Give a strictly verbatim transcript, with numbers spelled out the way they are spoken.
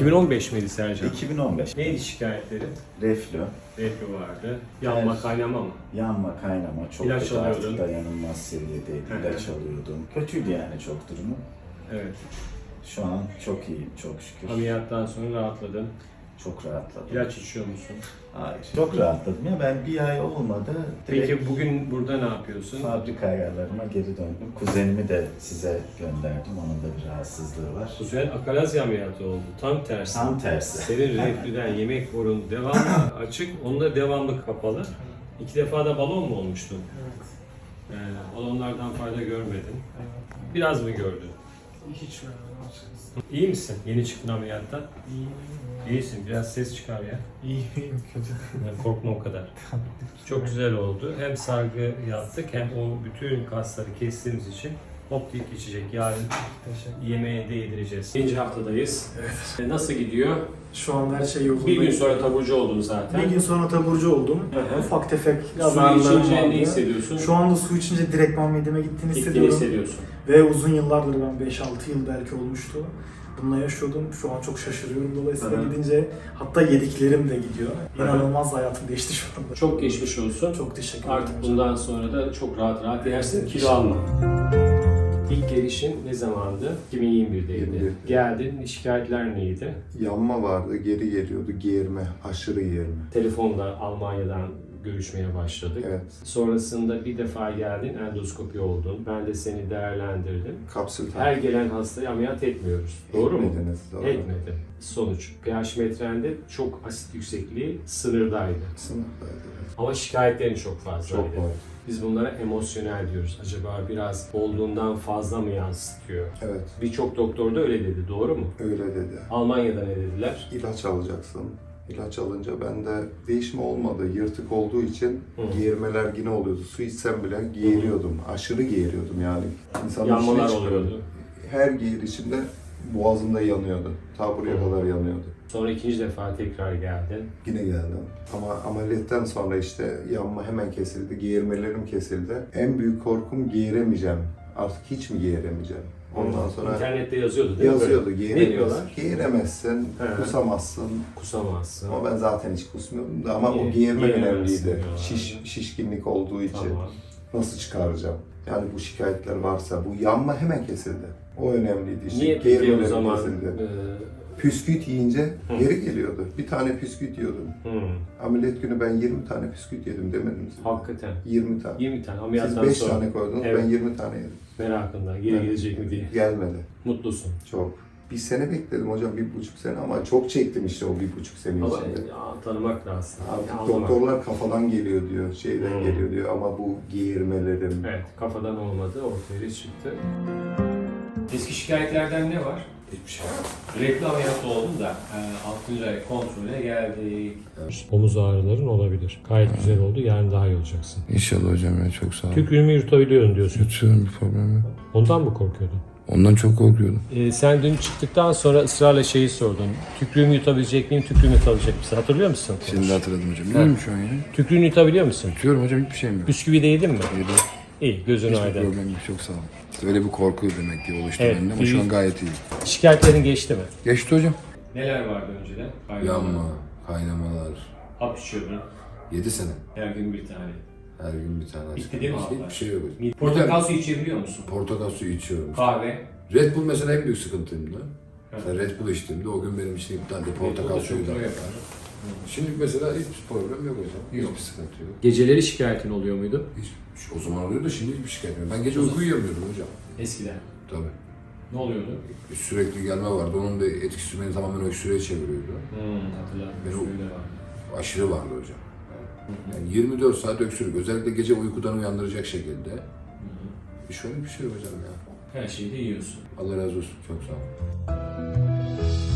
iki bin on beş miydi Sercan? iki bin on beş. Neydi şikayetleri? Reflü, Reflü vardı. Yanma, Evet. kaynama mı? yanma, kaynama çok İlaç kötü, artık alıyordun. dayanılmaz seviyedeydi. Hı hı. İlaç alıyordum. Kötüydü yani çok durumu. Evet. Şu an çok iyiyim çok şükür. Ameliyattan sonra rahatladın. Çok rahatladım. İlaç içiyor musun? Hayır. Çok rahatladım ya, ben bir ay olmadı. Direkt Peki bugün burada ne yapıyorsun? fabrika ayarlarıma geri döndüm. Kuzenimi de size gönderdim. Onun da bir rahatsızlığı var. Kuzen akalazi ameliyatı oldu. Tam tersi. Tam tersi. Senin reflüden yemek borun devamlı açık, onda devamlı kapalı. İki defa da balon mu olmuştun? Evet. Yani balonlardan fayda görmedin. Evet. Biraz mı gördün? Hiç vermem açıkçası. İyi misin? Yeni çıktın ameliyattan. İyiyim. İyisin. Biraz ses çıkar ya. İyiyim, kötü değil. Yani korkma o kadar. Çok güzel oldu. Hem sargı yaptık hem o bütün kasları kestiğimiz için hop deyip geçecek. Yarın Teşekkür. yemeğe de yedireceğiz. İkinci haftadayız. Evet. Nasıl gidiyor? Şu anda her şey yolunda. Bir gün sonra taburcu oldun zaten. Bir gün sonra taburcu oldum. Hı hı. Ufak tefek Su azarlarım içince vardı. ne hissediyorsun? Şu anda su içince direktman mideme gittiğini Gittiğini hissediyorum. hissediyorsun. Ve uzun yıllardır ben beş altı yıl belki olmuştu. Bununla yaşıyordum. Şu an çok şaşırıyorum dolayısıyla Hı hı. gidince hatta yediklerim de gidiyor. Hı hı. İnanılmaz hayatım değişti şu anda. Çok geçmiş olsun. Çok teşekkür ederim. Artık hocam. bundan sonra da çok rahat rahat yersin, kilo alma. İlk gelişin ne zamandı? iki bin yirmi birdeydi. yirmi bir. Geldin, şikayetler neydi? Yanma vardı, geri geliyordu, geğirme, aşırı geğirme. Telefonla Almanya'dan görüşmeye başladık. Evet, Sonrasında bir defa geldin, endoskopi oldun. Ben de seni değerlendirdim. kapsül Her takip gelen hastayı ameliyat etmiyoruz. Doğru mu? etmediniz, doğru. Etmedi. Sonuç, pH metrende çok asit yüksekliği sınırdaydı. Sınıftaydı, evet. Ama şikayetlerin çok fazlaydı. Çok var. Biz bunlara emosyonel diyoruz. Acaba biraz olduğundan fazla mı yansıtıyor? Evet, Birçok doktor da öyle dedi, doğru mu? öyle dedi. Almanya'da ne dediler? İlaç alacaksın. İlaç alınca bende değişme olmadı. Yırtık olduğu için Hı. geğirmeler yine oluyordu. Su içsem bile geğiriyordum. Aşırı geğiriyordum yani. İnsanın Yanmalar içine çıkıyordu. oluyordu. Her geğirişimde boğazımda yanıyordu. Ta buraya Hı. kadar yanıyordu. Sonra ikinci defa tekrar geldin. Yine geldim. Ama ameliyattan sonra işte yanma hemen kesildi, geğirmelerim kesildi. En büyük korkum geğiremeyeceğim. Artık hiç mi geğiremeyeceğim? Ondan sonra İnternette yazıyordu değil mi? yazıyordu, Böyle? Ne geğiremezsin, diyorlar? geğiremezsin, He. kusamazsın. Kusamazsın. Ama ben zaten hiç kusmuyordum da ama Niye? o geğirme Geğiremezsin önemliydi. diyorlar. Şiş, şişkinlik olduğu için. Tamam. Nasıl çıkaracağım? Yani bu şikayetler varsa, bu yanma hemen kesildi. O önemliydi işte. Niye peki o Geğirmelerim zaman? kesildi. E, Püsküt yiyince Hı. geri geliyordu. Bir tane püsküt yiyordum. hmm, Ameliyat günü ben yirmi tane püsküt yedim demedim size. hakikaten. yirmi tane. yirmi tane Siz ameliyattan beş sonra tane koydunuz, Evet. ben yirmi tane yedim. merakında geri Evet. gelecek mi diye. Gelmedi. Mutlusun. Çok. Bir sene bekledim hocam, bir buçuk sene ama çok çektim işte o bir buçuk sene Ama içinde. ya, tanımak lazım. Artık Ya, anlamak. doktorlar kafadan geliyor diyor, şeyden Hmm. geliyor diyor ama bu geğirmelerim, Evet, kafadan olmadı, ortaya çıktı. Eski şikayetlerden ne var? hiçbir şey yok. Reflü ameliyatı oldum da e, altıncı ay kontrole geldik. Omuz ağrıların olabilir. Gayet güzel oldu. Yarın daha iyi olacaksın. İnşallah hocam ya, çok sağ olun. Tükrüğümü yutabiliyorum diyorsun. Yutuyorum, bir problem yok. Ondan mı korkuyordun? Ondan çok korkuyordum. E, sen dün çıktıktan sonra ısrarla şeyi sordun. Tükrüğümü yutabilecek miyim, tükrüğümü yutabilecek misin? Hatırlıyor musun? Şimdi de hatırladım hocam. İyiyim şu an ya. Tükrüğünü yutabiliyor musun? Yutuyorum hocam, hiçbir şeyim yok. Bisküvi de yedin mi? Yedi. İyi, gözün Hiçbir aydın. problem yok, çok sağ olun. Öyle bir korku demek ki oluştu Evet, bende ama şu bir- an gayet iyi. Şikayetlerin geçti mi? Geçti hocam. Neler vardı önceden? Yanma, kaynamalar. Hap içiyordun. Yedi sene. Her gün bir tane. Her gün bir tane. Bitti değil mi Hiçbir abla? şey yok. Portakal suyu içebiliyor musun? Portakal suyu içiyorum. Kahve. Red Bull mesela en büyük sıkıntımdı. Evet. Mesela Red Bull içtiğimde o gün benim için iptaldi. Portakal Red Bull suyu da. çok yapar. Şimdi mesela hiçbir problem yok hocam. Hiçbir sıkıntı yok. Geceleri şikayetin oluyor muydu? Hiç, o zaman oluyordu, şimdi hiçbir şikayet yok. Ben gece uyku uyuyamıyordum hocam. Eskiden. Tabii. Ne oluyordu? Sürekli gelme vardı. Onun da etkisi beni tamamen öksürüğe çeviriyordu. Hmm, hatırladım. Ben o- Öyle var. Aşırı vardı hocam. Yani yirmi dört saat öksürük. Özellikle gece uykudan uyandıracak şekilde. Şöyle bir şey hocam ya. Her şeyi de yiyorsun. Allah razı olsun. Çok sağ olun.